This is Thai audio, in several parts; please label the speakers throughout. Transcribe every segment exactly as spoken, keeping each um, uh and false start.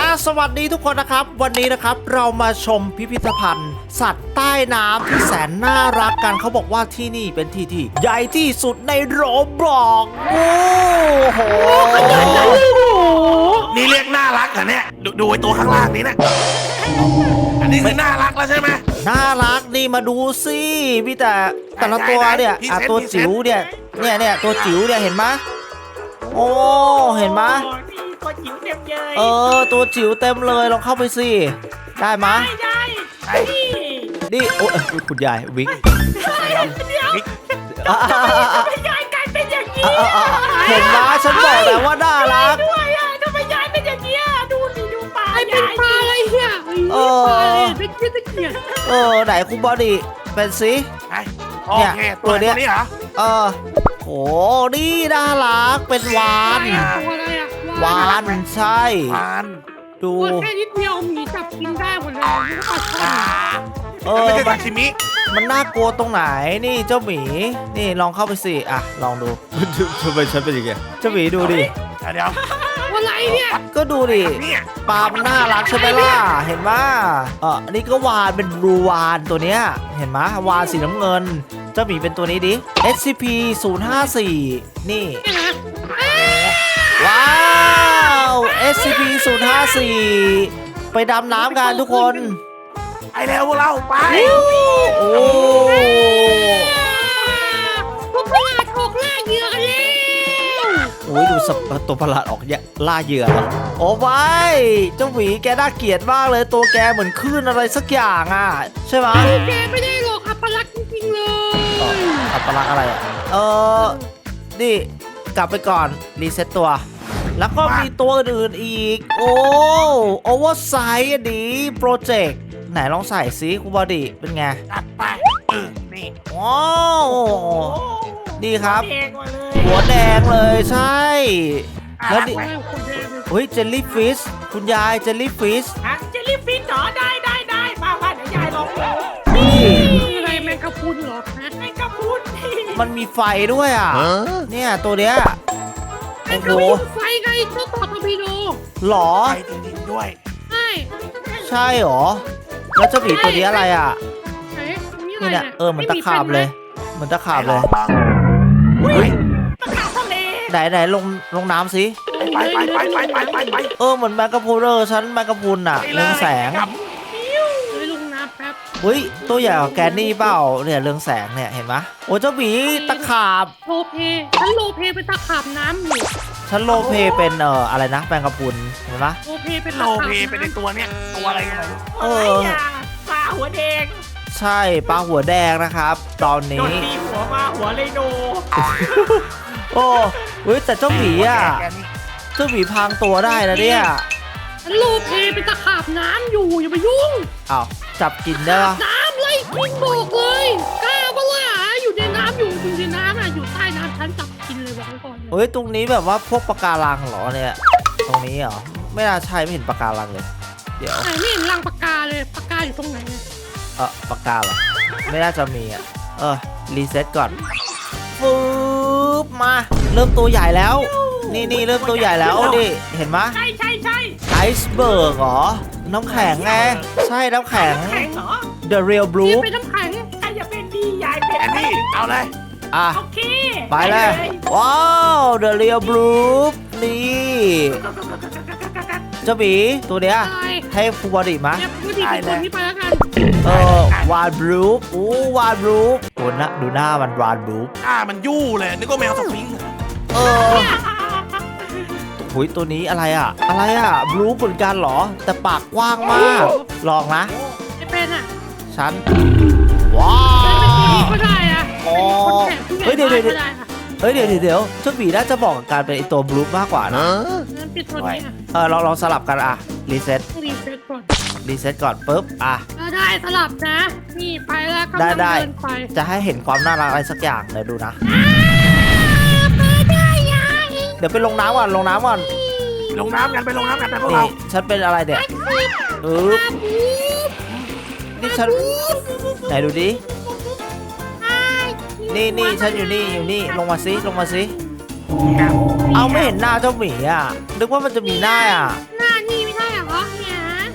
Speaker 1: สวัสดีทุกคนนะครับวันนี้นะครับเรามาชมพิพิธภัณฑ์ สัตว์ใต้น้ำที่แสนน่ารักกันเขาบอกว่าที่นี่เป็นที่ที่ใหญ่ที่สุดในโรบล็อกโอ้โห
Speaker 2: นี่เรียกน่ารักเหรอเนี่ยดูดูไอ้ตัวข้างล่างนี้นะอันนี้คือน่ารักแล้วใช่ไหม
Speaker 1: น่ารักนี่มาดูสิพี่แต่แต่ละตัวเนี่ยอ่ะตัวจิ๋วเนี่ยเนี่ยเนี่ยตัวจิ๋วเนี่ยเห็นไหมโอ้เห็นไหม
Speaker 3: ตัวจิ๋วเต็มเลย
Speaker 1: เออตัวจิ๋วเต็มเลยลองเข้าไปสิได้ไหม
Speaker 3: ได้ได้
Speaker 1: นี่โอ้คุณยายวิก
Speaker 3: ทำไมยายกลายเป็นอย่างนี้
Speaker 1: เห็นไหมฉันบอกแล้วว่าน่ารัก
Speaker 3: ด้วยอ่ะทำไมยายเป็นอย่างนี้ดูสิดูปลา
Speaker 4: เป็นปลาอะไรเนี่ยเออเป็นเกียรติ
Speaker 1: เออไหนคุณบอดี้เป็นสิ
Speaker 2: เนี่ยตัวนี้เหรอ
Speaker 1: เออโอ้นี่น่ารักเป็นวานวานใช่
Speaker 2: วาน
Speaker 1: ดู
Speaker 4: แค่นิดเดียวมีจับกินได้หมดเลย
Speaker 1: เออ
Speaker 2: ไม่ใช่ซาชิมิ
Speaker 1: มันน่ากลัวตรงไหนนี่เจ้าหมีนี่ลองเข้าไปสิอ่ะลองดูทำไมฉันเป็นอย่างเงี้ยเจ้าหมีดูดิ
Speaker 2: เดี๋ยว
Speaker 4: อะไรเนี่ย
Speaker 1: ก็ดูดิปลามันน่ารักใช่ไหมล่ะเห็นไหมเออนี่ก็วานเป็นบลูวานตัวเนี้ยเห็นไหมวานสีน้ำเงินเจ้าหมีเป็นตัวนี้ดิ เอส ซี พี ศูนย์ ห้า สี่นี่ว้าว เอส ซี พี ศูนย์ ห้า สี่ไปดำน้ำกันทุกคน
Speaker 2: ไปแล้วพวกเราไป
Speaker 1: โอ้
Speaker 4: พวกประหลาดออกล่าเหยื่อกันแล้ว
Speaker 1: โอ้ยดูสับตัวประหลาดออกล่าเหยื่อแล้วโอ้ไปเจ้าหวีแกน่าเกลียดมากเลยตัวแกเหมือนคลื่นอะไรสักอย่างอ่ะใช่ไหม
Speaker 4: แกไม่ได้หรอกอัปลักษณ์จริงๆเลย
Speaker 1: อัปลักษณ์อะไรอ่ะเออนี่กลับไปก่อนรีเซ็ตตัวแล้วก็มีตัวอื่นอีกโอ้โอเวอร์ไซส์อันนี้โปรเจกต์ไหนลองใส่ซิคุณบอดี้เป็นไง
Speaker 2: ตัดไปเออนี่
Speaker 1: ว้าวนี่ครับหัวแดงเลยใช่แล้วดิเฮ้ยเจลลี่ฟิชคุณยายเจลลี่ฟิช
Speaker 3: เจลลี่ฟิชเหรอได้ได้ได้มาว่าเดี๋ยวยายลองดู
Speaker 4: นี่อะไรแมงกะพรุนเหรอ
Speaker 3: แมงกะพรุน
Speaker 1: มันมีไฟด้วยอ่ะเนี่ยตัวเนี้ย
Speaker 4: โอ้โหไฟไงตัวต่อทอร์ปิโด
Speaker 1: หรอ
Speaker 2: ไฟจริงๆด้วย
Speaker 4: ใช่
Speaker 1: ใช่หรอแล้วเจ้าหมีตัวนี้อะไรอ่ะนี่เนี่ยเออเหมือนตะขาบเลยเหมือนตะขาบเลย
Speaker 3: ตะขาบทะเล
Speaker 1: ไหนไหนลงลงน้ำสิ
Speaker 2: ไปไปไปไปไปไปไป
Speaker 1: เออเหมือนแมงกะพรุนเออฉันแมงกะพรุนอ่ะเรืองแสง
Speaker 4: ลงน้ำแป๊บ
Speaker 1: เฮ้ยตัวใหญ่กว่าแกนนี่เปล่าเนี่ยเรืองแสงเนี่ยเห็นไหมโอ้เจ้าหมีตะขาบ
Speaker 4: โลเพฉันโลเพเป็นตะขาบน้ำอยู่
Speaker 1: ฉันโลเพเป็นเอ่ออะไรนะแมงกะพรุนเห็นไหม
Speaker 4: โลเพเป็น
Speaker 2: โลเพเป็นในตัวเนี้ยตัวอะไรกันเลย
Speaker 3: เออปลาหัวแดง
Speaker 1: ใช่ปลาหัวแดงนะครับตอนนี้
Speaker 3: ตีหัวมาหัวเลยโน
Speaker 1: โอ้เฮ้ยแต่เจ้าหมีอ่ะเจ้าหมีพังตัวได้นะเนี่ย
Speaker 4: ฉันโลเพเป็นตะขาบน้ำอยู่อย่ามายุ่ง
Speaker 1: อ้าวจับกินได้ปะ
Speaker 4: น้ำไล่กินบอกเลยกล้าปะล่ะอยู่ในน้ำอยู่อยู่ในน้ำอ่ะอยู่ใต้น้ำฉันจับกินเลยบอกก่อน
Speaker 1: เฮ้ยตรงนี้แบบว่าพวกปะการังเหรอเนี่ยตรงนี้เหรอไม่น่าใช่ไม่เห็นปะการังเลยเดี๋ยว
Speaker 4: ไม่เห็นรังปะกาเลยปะกาอยู่ตรงไหน
Speaker 1: เออปะกาเหรอไม่น่าจะมีอ่ะเออรีเซ็ตก่อนฟืบมาเริ่มตัวใหญ่แล้วนี่นี่เริ่มตัวใหญ่แล้วดิเห็นไหม
Speaker 3: ใช่ใช่ใช่
Speaker 1: ไอซ์เบิร์กเหรอน้ำแข็งไงใช่น้ำแข็ง The Real Blue
Speaker 4: เป็นน้ำแข็ง
Speaker 3: ใครจะเป็นดียายเป็น
Speaker 2: นี่เอาเลย
Speaker 1: อ่ะ
Speaker 3: โอเค
Speaker 1: ไปเลยว้าว The Real Blue นี่เจ้าบีตัวเนี้ยให้ฟูบอดี้มา
Speaker 4: ได้เลยไปแล้วกัน
Speaker 1: เออวานบลูปอู้วานบลูปโอ้นะดูหน้ามันวานบลูป
Speaker 2: อ่ามันยู่เลยนึกว่าแมวสฟิงค์
Speaker 1: เออหุยตัวนี้อะไรอ่ะอะไรอ่ะบลูปเหมือนกันเหรอแต่ปากกว้างมากลองนะ
Speaker 4: ไม่เป็นอ่ะ
Speaker 1: ฉันว้าว
Speaker 4: ก็ได้อ่ะ
Speaker 1: เฮ้ยเดี๋ยวเดี๋ยวเฮ้ยเดี๋ยวเดี๋ยวเจ้าบีน่าจะบอกการเป็นไอตัวบลูปมากกว่านะเออลองลองสลับกันอ่ะรีเซ็ต
Speaker 4: รีเซ็ตก่อน
Speaker 1: รีเซ็ตก่อนปุ๊บอ่ะ
Speaker 4: ได้สลับนะนี่ไปแล้วก็
Speaker 1: ได้ได้จะให้เห็นความน่ารักอะไรสักอย่างเดี๋ยวดูนะเดี๋ยวไปลงน้ำก่อนลงน้ำก่อน
Speaker 2: ลงน้ำกันไปลงน้ำกันไปพวกเรา
Speaker 1: ฉันเป็นอะไรเนี่ยเออนี่ฉันไหนดูดินี่นี่ฉันอยู่นี่อยู่นี่ลงมาซิลงมาซิเอาไม่เห็นหน้าเจ้าหมีอ่ะนึกว่ามันจะมีหน้าอ่ะ
Speaker 4: หน้านี่ไม่ใช่เหรอ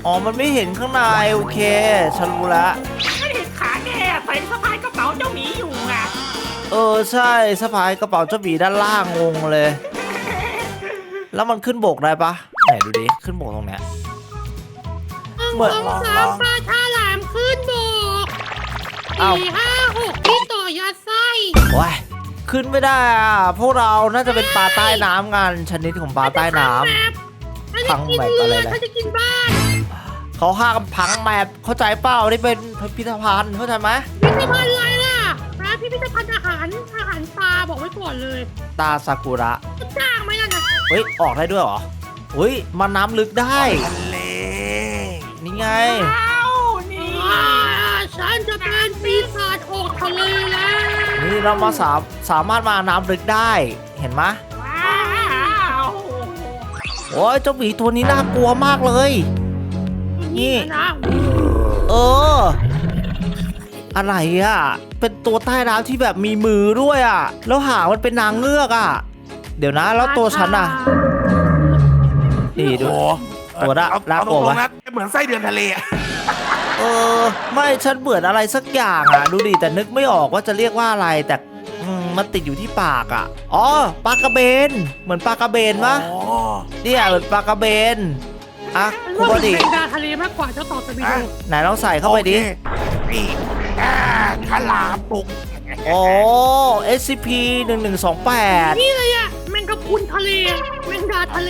Speaker 1: อ๋อมันไม่เห็นข้างในโอเคฉันรู้ละ
Speaker 3: ไม่เห็นขาแกใส่สะพายกระเป๋าเจ้าหมีอยู่อ่ะ
Speaker 1: เออใช่สะพายกระเป๋าเจ้าหมีด้านล่างงงเลย แล้วมันขึ้นบกได้ปะไหนดูดิขึ้นบกตรงเนี้ย เหมือน
Speaker 4: สองสามปลาฉลามขึ้นบก
Speaker 1: อ้าว
Speaker 4: สี่ห้าหกที่ต่อยัดไส้
Speaker 1: โอ้ยขึ้นไม่ได้อ่ะพวกเราน่าจะเป็นปลาใต้น้ำกันชนิดของปลาใต้น้ำ
Speaker 4: ฉันจะกิน
Speaker 1: พังแมป
Speaker 4: เรื
Speaker 1: อะไร
Speaker 4: อ
Speaker 1: นะ
Speaker 4: ฉันจะกินบ้าน
Speaker 1: เขาห้ามพังแมปเข้าใจเปล่านี่เป็นพิพิธภัณฑ์เข้าใจไหม
Speaker 4: พิพิธภัณฑ์อะไรล่ะนะพิพิธภัณฑ์อาหารอาหารปลาบอกไว้ก่อนเลย
Speaker 1: ตาซากุระ
Speaker 4: จะจ้างไหมล่ะนะ
Speaker 1: เฮ้ยออกได้ด้วยเหรอเฮ้ยมาน้ำลึกได้
Speaker 2: ทะเล
Speaker 1: นี่ไง
Speaker 3: อ้าวนี่
Speaker 4: อ่าฉันจะเป็นปีศาจออกทะเลแล้ว
Speaker 1: นี่เรามาสามสามารถมาน้ำลึกได้เห็นไหม
Speaker 3: ว้าว
Speaker 1: โอ้ยเจ้าหมีตัวนี้น่ากลัวมากเลย นี่
Speaker 4: นะ
Speaker 1: เออ อะไรอ่ะ เป็นตัวใต้น้ำที่แบบมีมือด้วยอ่ะ แล้วหางมันเป็นนางเงือกอ่ะ เดี๋ยวนะ แล้วตัวฉันอ่ะ นี่ดู
Speaker 2: โอ้โห
Speaker 1: ตัวละ
Speaker 2: เอา
Speaker 1: น่า
Speaker 2: เอา
Speaker 1: กลัว
Speaker 2: ตร
Speaker 1: ไหม
Speaker 2: งๆนะเหมือนไส้เดือนทะเลอะ
Speaker 1: เออ ไม่ฉันเบื่ออะไรสักอย่างอ่ะ ดูดิแต่นึกไม่ออกว่าจะเรียกว่าอะไร แต่อืมมันติดอยู่ที่ปากอ่ะ อ๋อ ปลากระเบน เหมือนปลากระเบนปะ
Speaker 2: โอ้
Speaker 1: เนี่ยเหมือนปลากระเบน อ่ะ
Speaker 4: ฉัน
Speaker 1: คุณ
Speaker 4: ว่า
Speaker 1: บ
Speaker 4: เป็น
Speaker 1: ดิ
Speaker 4: แมงดาทะเลมากกว่าเจ้าต่อตะบิโด
Speaker 1: ไหนลองใส่เข้าไปดิ
Speaker 2: โอเคนี่อ่าฉลามปุก
Speaker 1: โอ้ เอส ซี พี หนึ่งหนึ่งสองแปด
Speaker 4: นี่เลยอะแมงกะพรุนทะเลแมงดาทะเล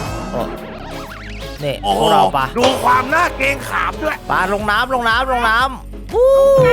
Speaker 1: นี่
Speaker 2: โอ้
Speaker 1: พ
Speaker 2: โห
Speaker 1: วกเราปะ
Speaker 2: ดูความน่าเกรงขามด้วย
Speaker 1: ปลาลงน้ำลงน้ำลงน้ำวู้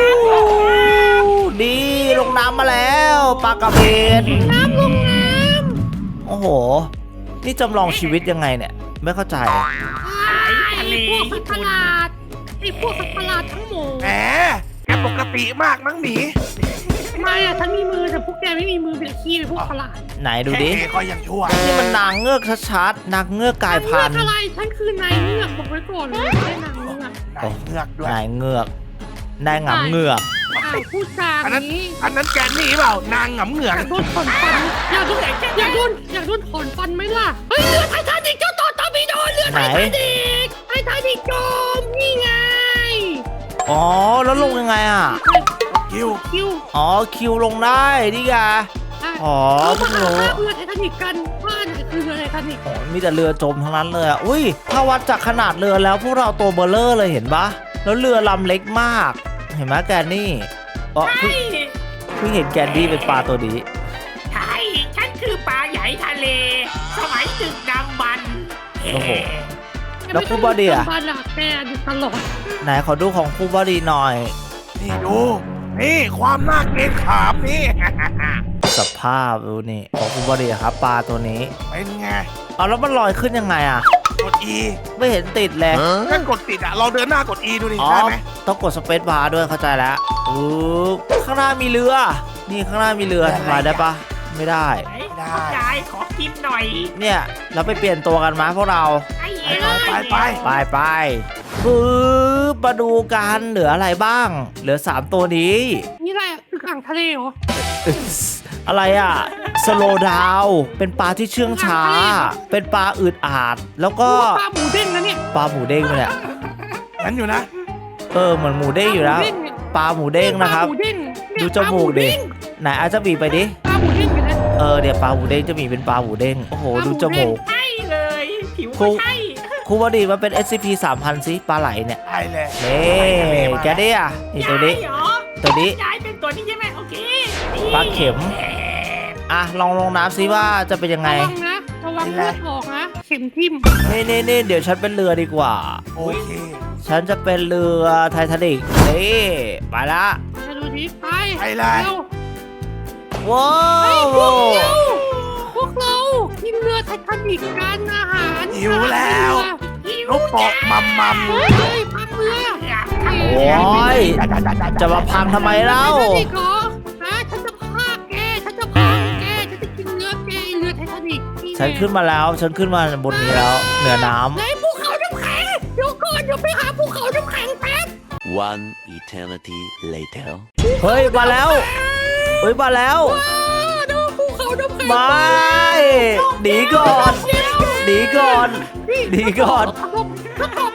Speaker 1: ดีลงน้ำมาแล้วปลากระเบน
Speaker 4: น้ำลงน้
Speaker 1: โอ้โห นี่จำลองชีวิตยังไงเนี่ย ไม่เข้าใจ
Speaker 4: ำไอ้พวกสัตว์ประหลาดไอ้พวกสัตว์ประหลาดทั้งหมด
Speaker 2: แหมแกปกติมากนังหมี
Speaker 4: ทำไมอะฉันมีมือแต่พวกแกไม่มีมือเป็นขี้เป็นพวกประหลาด
Speaker 1: ไหนดูดิ
Speaker 2: แค่ก็ยังชั่ว
Speaker 1: นี่มันนางเงือกชัดๆนางเงือกกลายพันธุ์
Speaker 4: เลือกอะไรฉันคือนายเงือกบอกไว้ก่อนเลยไม่ได้นางเงือก
Speaker 2: นายเงือกด้วย
Speaker 1: นายเงือกนายหงำเงือก
Speaker 4: อ้าวพูดจา
Speaker 2: อันนั้น
Speaker 4: นี้
Speaker 2: อันนั้นแกนี่เปล่านางหงำเหงื
Speaker 4: อ
Speaker 2: อก
Speaker 4: ยากโดนถอนฟันอยากโดนอยากโดนอยากโดนถอนฟันไหมล่ะเฮ้ยเรือไททานิกเจ้าต่อตอร์ปิโดเรือไททานิกไททานิกจมนี่ไง
Speaker 1: อ๋อ แล้วลงยังไงอ่ะ
Speaker 2: คิว
Speaker 4: คิว
Speaker 1: อ๋อ คิวลงได้นี่ไงอ๋อ
Speaker 4: เรา
Speaker 1: เพิ่ง
Speaker 4: มา
Speaker 1: รู้
Speaker 4: หาเรือไททานิกกันว่าไหนคือเรือไททานิก
Speaker 1: โอ้ยมีแต่เรือจมทั้งนั้นเลยอ่ะ อุ้ย ถ้าวัดจากขนาดเรือแล้วพวกเราตัวเบลเลอร์เลยเห็นปะแล้วเรือลำเล็กมาก เห็นไหมแกนนี่อ๋อเพิ่ง
Speaker 3: ใช่
Speaker 1: เพิ่งเห็นแกนดี้เป็นปลาตัวนี้
Speaker 3: ใช่ฉันคือปลาใหญ่ทะเล สมัยดึกดำบรรพ์
Speaker 1: โอ้โห แล้วครูบอดี้อะ
Speaker 4: บาดาแกอยู่ตลอด
Speaker 1: ไหนขอดูของครูบอดีหน่อย
Speaker 2: นี่ดู นี่ความน่าเกรงขามนี่
Speaker 1: สภาพดูนี่ของครูบอดีครับปลาตัวนี้
Speaker 2: เป็นไง
Speaker 1: เอาแล้วมันลอยขึ้นยังไงอ่ะ
Speaker 2: กด E
Speaker 1: ไม่เห็นติดเลย
Speaker 2: ถ้ากดติดอ่ะลองเดินหน้ากด E ดูดิ
Speaker 1: อ๋อ
Speaker 2: ได้ไหม
Speaker 1: ต้องกดสเปซบาร์ด้วยเข้าใจแล้วอู้ข้างหน้ามีเรือ นี่ข้างหน้ามีเรือทำลายได้ปะไม่ได้
Speaker 3: ไหนคุณยายขอกินหน่อย
Speaker 1: เนี่ยเราไปเปลี่ยนตัวกันมาพวกเรา
Speaker 3: ไอ้
Speaker 2: ไป
Speaker 3: เอ้
Speaker 2: ไป
Speaker 3: ย
Speaker 2: ไป
Speaker 1: ไปไปปึ๊บมาดูกันเหลืออะไรบ้าง เหลือสามตัวนี้
Speaker 4: นี่อะไรอะคืออ่างทะเลเหรอ
Speaker 1: อะไรอ่ะสโลดาวเป็นปลาที่เชื่องช้า เป็นปลาอืดอาด แล้วก็
Speaker 4: ปลาหมูเด้งนะเนี่ย
Speaker 1: ปลาหมูเด้งไปเนี่ย
Speaker 2: งั้นอยู่นะ
Speaker 1: เออเหมือนหมูเด้งอยู่แล้ว ปลาหมูเด้งนะครับ
Speaker 4: ปลาหมูเด้งเนี่ย
Speaker 1: ดูจมูกดิไหนอาจจะบีบไปดิ
Speaker 4: ปลาหมูเด้งอยู่นะ
Speaker 1: เออเดี๋ยวปลาหมูเด้งจะมีเป็นปลาหมูเด้งโอ้โหดูจมูก
Speaker 3: ใช่เลยผิว
Speaker 1: ครู
Speaker 3: ก็ใช่
Speaker 1: ครูบอดีมันเป็น เอส ซี พี สามพันซิปลาไหลเนี่ย
Speaker 2: ได้เลย
Speaker 1: นี่แกได้อ่ะนี่ตัวนี้
Speaker 3: ยายเหรอ
Speaker 1: ตัวนี้
Speaker 3: ยายเป็นตัวนี้ใช่ไหมโอเคนี่
Speaker 1: ปลาเข็ม อ่ะลองลงน้ำซิว่าจะเป็นยังไง
Speaker 4: ระวังนะระวังเลือดออกนะเข็มทิ่ม
Speaker 1: นี่นี่นี่เดี๋ยวฉันเป็นเรือดีกว่า
Speaker 2: โอเค
Speaker 1: ฉันจะเป็นเรือไททานิกนี่ไปละ
Speaker 4: มาดูดิไป
Speaker 2: ไปเลย
Speaker 4: ร็ว
Speaker 1: ว้า
Speaker 4: ไอ้
Speaker 1: ว
Speaker 4: พวกเราพวกเรากินเรือไททานิกกันอาหาร
Speaker 2: หิวแล้ว
Speaker 4: หิว
Speaker 2: ลูกโปะมัมมัม
Speaker 4: เฮ้ยเฮ้ยพังเรือ
Speaker 1: โอ้ยจะมาพังทำไมเล่า
Speaker 4: ไททานิกเหรอฮะฉันจะพาแกฉันจะพาแกฉันจะกินเนื้อแกเรือไททานิก
Speaker 1: ฉันขึ้นมาแล้ว ฉันขึ้นมาบนนี้แล้วเหนือน้
Speaker 4: ไหนภูเขาน้ำแข็งเดี๋ยวก่อนเดี๋ยวไปหาภูเขาน้ำแข็งแป๊บ
Speaker 5: One eternity later.
Speaker 1: ำเฮ้ยมาแล้วเฮ้ยมาแล้ว
Speaker 4: อ้าวดูภูเขาน้ำแข็ง
Speaker 1: ไม่หนีก่อนหนีก่อนหนีก่อน
Speaker 4: ถ้าตอบแป๊บเดียว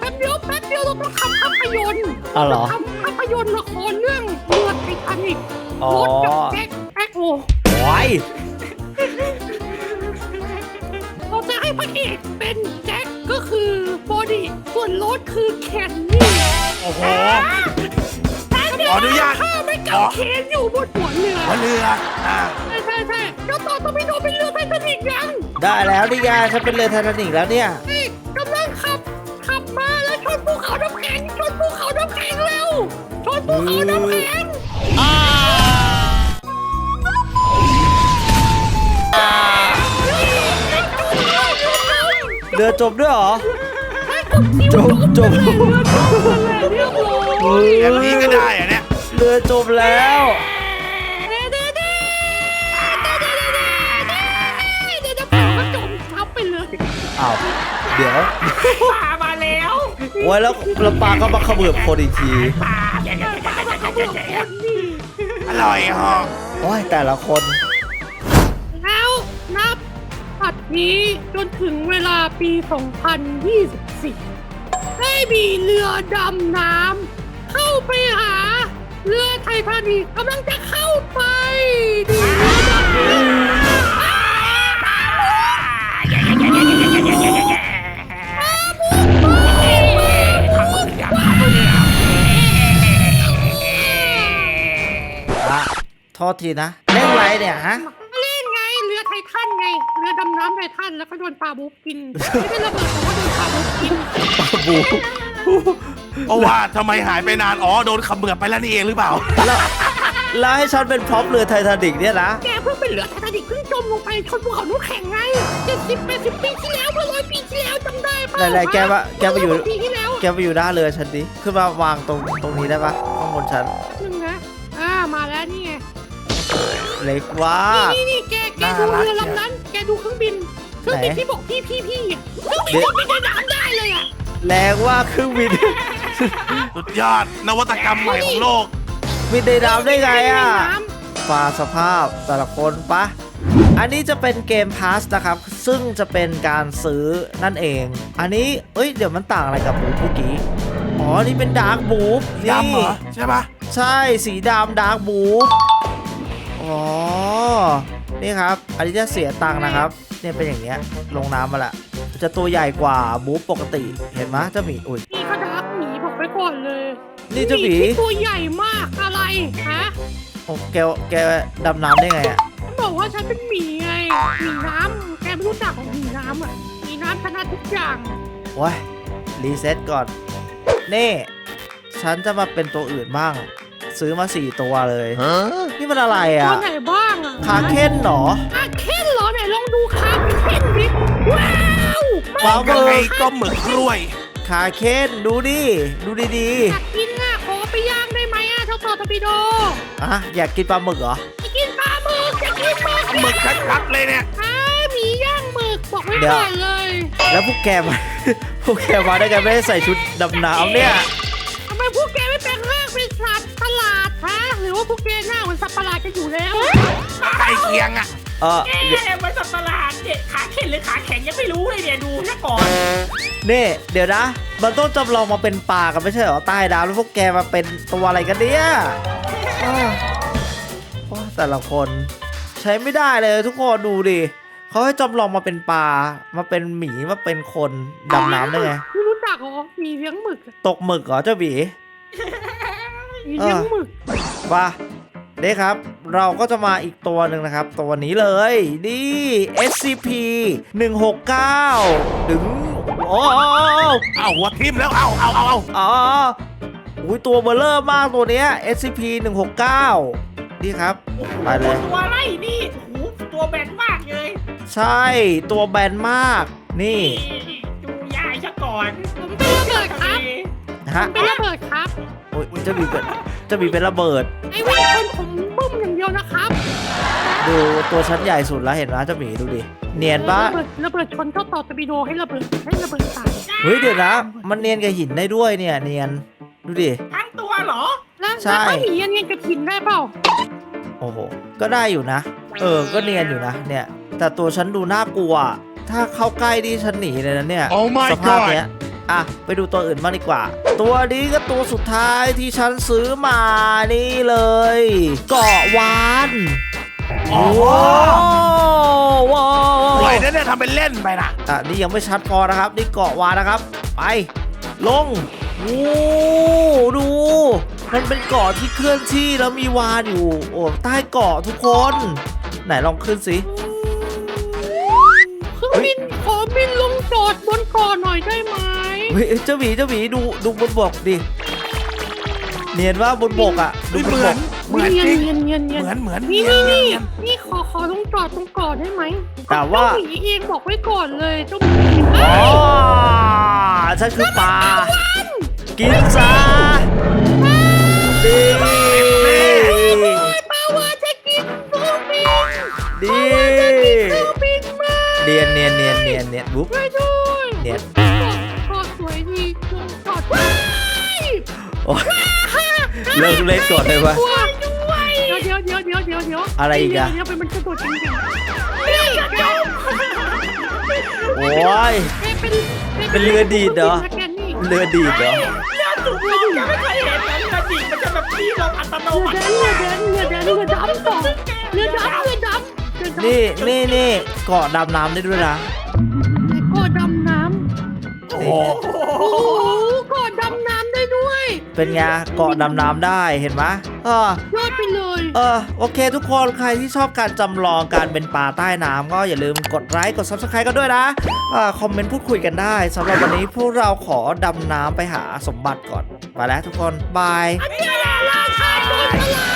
Speaker 4: แป๊บเดียวเราต้องทำภาพยนตร์
Speaker 1: อ๋อเหรอ
Speaker 4: ทำภาพยนตร์ละครเรื่องเรือไททานิค
Speaker 1: อ๋อ
Speaker 4: รถกับแจ็คแพ็คโอ
Speaker 1: โอ้ย
Speaker 4: เราจะให้พระเอกเป็นแจ็คก็คือบอดี้ส่วนรถคือแคนนี่
Speaker 2: โอ้โห
Speaker 4: แต่เดี๋ยว
Speaker 2: ขออนุญาต
Speaker 4: ข้าไม่กับเคนอยู่บนหัวเรือ
Speaker 2: หัวเรืออ่า
Speaker 4: ใช่ใช่ใช่เจ้าต่อต้องไปโดนเป็นเรือไททานิคยัง
Speaker 1: ได้แล้วนี่ไงฉันเป็นเรือไททานิคแล้วเนี่ย
Speaker 4: นี่กำลังขับขับมาแล้วชนภูเขาน้ำแข็งชนภูเขาน้ำแข็งเร็วชนภูเขาน้ำแข็ง
Speaker 1: เรือจมด้วยเหรอ จมจม
Speaker 4: เรียบร้อย
Speaker 2: อย่างนี้ก็ได้อะเนี่ย
Speaker 1: เรือจมแล้ว
Speaker 4: เด้เด้เด้เด้เด้เด้เด้เดี๋ยวจะพามาจมทับไปเลย
Speaker 1: อ้าว เดี๋ยว
Speaker 3: ปลามาแล้ว
Speaker 1: โอ้ยแล้วแล้วปลาก็มาเขมือบคนอีกที
Speaker 3: ปลาเดี๋ยวเดี๋ยวเดี๋ยวเดี๋ยวเดี๋ยวเดี๋ยว
Speaker 2: อร่อยฮะ
Speaker 1: โอ้ยแต่ละคน
Speaker 4: แล้วนับปัดนี้จนถึงเวลาปี สองพันยี่สิบสี่ ได้มีเรือดำน้ำเข้าไปหาเรือไททานิคกำลังจะเข้าไปดีเรือดำน้ำ
Speaker 1: อะโทษทีนะ เล่นอะไรเนี่ยฮะ
Speaker 4: เล่นไงเรือไททันไงเรือดำน้ำไททันแล้วก็โดนปลาบุ๊กกินไม่ได้ระเบิดแต่ว่าโดนปลาบุ๊กกิน
Speaker 1: บู
Speaker 2: เพราะว่าทำไมหายไปนาน อ๋อ โดนเขมือบไปแล้วนี่เองหรือเปล่า
Speaker 1: แล้วแล้วให้ฉันเป็นพร็อพเรือไททานิคเนี่ยนะ
Speaker 4: แกเพิ่งเป็นเรือไททานิคเพิ่งจมลงไปชนภูเขาน้ำแข็งไงเจ็ดสิบแปดสิบปีที่แล้วเมื่อร้อยปีที่แล้วจำได้ปะ
Speaker 1: ไหนๆแกมาแกมาอยู่
Speaker 4: ร้ปีที่แล้ว
Speaker 1: แกไปอยู่หน้าเรือฉันดิ ขึ้นมาวางตรงตรงนี้ได้ปะข้างบนฉัน
Speaker 4: หนึ่งนะอ่ามาแล้วนี่ไง
Speaker 1: เล็กว่า
Speaker 4: นี่นี่แกแกดูเรือลำนั้นแกดูเครื่องบินเครื่องบินที่บอกพี่พี่พี่อ่ะเครื่องบินที่บินในน้ำได้เลยอ่ะ
Speaker 1: แรงว่าเครื่องบิน
Speaker 2: สุดยอด นวัตกรรมใหม่ของโลก
Speaker 1: บินในน้ำได้ไงอ่ะ
Speaker 4: ในน้ำ
Speaker 1: ฟ้าสภาพแต่ละคนปะ อันนี้จะเป็นเกมพาสนะครับ ซึ่งจะเป็นการซื้อนั่นเอง อันนี้ เอ้ย เดี๋ยวมันต่างอะไรกับบูฟเมื่อกี้ อ๋อ นี่เป็นดาร์กบูฟ
Speaker 2: ดำเหรอ ใช่ปะ
Speaker 1: ใช่ สีดำดาร์กบูฟอ๋อ นี่ครับ อันนี้จะเสียตังค์นะครับ เนี่ยเป็นอย่างเงี้ย ลงน้ำมาละ จะตัวใหญ่กว่าบูฟปกติ เห็นไหมเจ้าหมี อุ้ย
Speaker 4: นี่ก็ดักหมีบอกไปก่อนเลย
Speaker 1: นี่เจ้าหมี
Speaker 4: ที่ตัวใหญ่มากอะไรฮะ
Speaker 1: โอ้แกแกดำน้ำได้ไงอะ
Speaker 4: ฉันบอกว่าฉันเป็นหมีไงหมีน้ำแกไม่รู้จักของหมีน้ำอ่ะหมีน้ำชนะทุกอย่าง
Speaker 1: โอ้ยรีเซ็ตก่อน นี่ ฉันจะมาเป็นตัวอื่นบ้าง ซื้อมาสี่ตัวเลย นี่มันอะไร
Speaker 4: ตั
Speaker 1: อ่ะ
Speaker 4: วไหนบ้างอ่ะ
Speaker 1: คาเคนเหรอ
Speaker 4: คาเคนเหรอไหนลองดูคาเคนดิว้าว
Speaker 1: ว้าว
Speaker 2: ยังไงก็หมึกกล้วย
Speaker 1: คาเคนดูดิ ดูดี
Speaker 4: อยากกินอ่ะขอไปย่างได้ไหมอ่ะเจ้าต่อทอร์ปิโด
Speaker 1: ๆอ่ะอยากกินปลาหมึกเหรอ
Speaker 4: ไปกินปลาหมึกอยากกินหมึก
Speaker 2: หมึกชัดๆเลยเนี่ย
Speaker 4: อ้าหมีย่างหมึกบอกไว้
Speaker 1: เดี๋ยว
Speaker 4: ก่อนเลย
Speaker 1: แล้วพวกแกมา พวกแกมาได้ไงไม่ได้ใส่ชุดดำน้ำเนี่ย
Speaker 4: ทำไมพวกแกไม่แปลงร่างเป็นสัตว์ประหลาดฮะหรือว่าพวกแกหน้าเหมือนสัตว์ประหลาดกันอยู่แล้ว
Speaker 2: ใกล้เคียงอ่ะ
Speaker 1: เออ
Speaker 3: เอ๊ะมันสัตว์ประหลาดเนี่ยขาเข็นหรือขาแข็งยังไม่รู้เลยเนี่ยดูซะก่อน
Speaker 1: นี่เดี๋ยวนะ มันต้องจำลองมาเป็นปลากันไม่ใช่เหรอใต้น้ำแล้วพวกแกมาเป็นตัวอะไรกันเนี่ยอ้าวโอ้แต่ละคนใช้ไม่ได้เลยทุกคนดูดิเขาให้จำลองมาเป็นปลา มาเป็นหมีมาเป็นคนดำน้ำได้ไง
Speaker 4: ไม่รู้จักเหรอหมีเลี้ยงหมึกอะ
Speaker 1: ตกหมึกเหรอเจ้าหมี
Speaker 4: หมีเลี้ยงหมึก
Speaker 1: ว่าเด้ครับ เราก็จะมาอีกตัวหนึ่งนะครับ ตัวนี้เลยนี่ เอส ซี พี หนึ่งหกเก้า ถึงโอ้
Speaker 2: เอาหัวทิ่มแล้ว เอาเอาเอาเอา
Speaker 1: อ๋ออุ้ยตัวเบลเลอร์มากตัวเนี้ย เอส ซี พี หนึ่งหกเก้า นี่ครับ ไปเลย
Speaker 3: ตัวอะไรนี่โอ้โหตัวแบนมากเลย
Speaker 1: ใช่ตัวแบนมาก นี่
Speaker 3: นี่ดูยายซะก่อน
Speaker 4: ผมเป็นระเบิดครับ
Speaker 1: ฮะ
Speaker 4: เป็นระเบิดครับ
Speaker 1: โอ้ยเจะมีเป็นเจะมีเป็นระเบิด
Speaker 4: ไอ้วิ่งคนผมบึ้มอย่างเดียวนะครับ
Speaker 1: ดูตัวชั้นใหญ่สุดแล้วเห็นไหมเจ้าหมีดูดิ เนียนปะ
Speaker 4: ระเบิดระเบิดชนเจ้าต่อตะบิโดให้ระเบิดให้ระเบิดตาย
Speaker 1: เฮ้ยเดี๋ยวนะ มันเนียนกับหินได้ด้วยเนี่ย เนียน ดูดิ
Speaker 3: ทั้งตัวเหรอ
Speaker 4: แล้ว
Speaker 1: ใช่
Speaker 4: แล้วถ้าหมีอันเนี้ยกระถินได้เปล่า
Speaker 1: โอ้โห ก็ได้อยู่นะ เออ ก็เนียนอยู่นะ เนี่ย แต่ตัวฉันดูน่ากลัว ถ้าเข้าใกล้ที่ฉันหนีเลยนะเนี่ย
Speaker 2: Oh my
Speaker 1: สภาพเนี้ย
Speaker 2: God
Speaker 1: อ่ะไปดูตัวอื่นบ้างดีกว่า ตัวนี้ก็ตัวสุดท้ายที่ฉันซื้อมานี่เลยเกาะวาน
Speaker 2: โอ้โห
Speaker 1: ว้าว
Speaker 2: สวยนะเนี่ยทำเป็นเล่นไปนะ
Speaker 1: อ่ะนี่ยังไม่ชัดพอนะครับนี่เกาะวานนะครับไปลงโอ้ดูมันเป็นเกาะที่เคลื่อนที่แล้วมีวานอยู่โอ้ใต้เกาะทุกคนไหนลองขึ้นสิ
Speaker 4: เครื่องบินขอบินลงจอดบนเกาะหน่อยได้ไหม
Speaker 1: เฮ้ยเจ้าหมีเจ้าหมีดูดูบนบกดิเนียนว่าบนบกอ่ะดู
Speaker 2: เห
Speaker 1: บน
Speaker 2: มื
Speaker 1: บ
Speaker 2: อน
Speaker 1: ก
Speaker 2: เหมือน
Speaker 4: เนีย
Speaker 2: จ
Speaker 4: น
Speaker 2: ริง
Speaker 4: เนียนเนียนเนียน
Speaker 2: เหมือนเหมือน
Speaker 4: นี่
Speaker 2: เนีย
Speaker 4: นี่นี่
Speaker 2: เนียน
Speaker 4: นี่ขอขอลงจอดตรงเกาะได้ไหม
Speaker 1: แต่ว่า
Speaker 4: เจ้าหมีเองบอกไว้ก่อนเลยเจ้าหมี
Speaker 1: อ๋อฉันคือปลากินซะดี
Speaker 4: ปาวาจะกินเครื่องบิน
Speaker 1: ดี
Speaker 4: เครื่องบินมา
Speaker 1: เนียนเนียนเนียนเนียนเนียนบุ๊บ
Speaker 4: ช่วยด้วย
Speaker 1: เนียน
Speaker 4: เกาะสวยดีลงจอดว้าย
Speaker 1: โอ้ยเลิกเล่นก่อนเลยวะ
Speaker 4: กลัวด้วยเดี๋ยวเดี๋ยวเดี๋ยวเดี๋ยวเดี๋ยว
Speaker 1: อะไรอีกอะ
Speaker 4: เดี๋ยวเป็นมันกระโดดจริงๆนี่แก
Speaker 1: โอ้ย
Speaker 4: แกเป็น
Speaker 1: เป็นเรือดีดเหรอ
Speaker 4: แกนี่
Speaker 1: เรือดีดเหรอ
Speaker 3: เรือจุกลงยังไม่เคยเห็นเลยเรือดิ่งมันจะแบบพี่ลงอัตโน
Speaker 4: เรือ
Speaker 3: มั
Speaker 4: แด
Speaker 3: ติ
Speaker 4: นเรือแดนเรือแดนเรือดำต่อเรือดำเรือดำเรือดำ
Speaker 1: นี่นี่นี่เกาะดำน้ำได้ด้วยนะ
Speaker 4: ไอ้เกาะดำน้
Speaker 2: โอ้โห
Speaker 4: ำโอ้โหเกาะดำน้ำได้ด้วย
Speaker 1: เป็นไงเกาะดำน้ำได้เห็นไหมเออ
Speaker 4: ยอดไปเลย
Speaker 1: เออโอเคทุกคนใครที่ชอบการจำลองการเป็นปลาใต้น้ำก็อย่าลืมกดไลค์กด ซับสไครบ์ กันด้วยนะอ่าคอมเมนต์พูดคุยกันได้สำหรับวันนี้พวกเราขอดำน้ำไปหาสมบัติก่อนไปแล้วทุกคนบาย
Speaker 4: ราชาโจรสลัด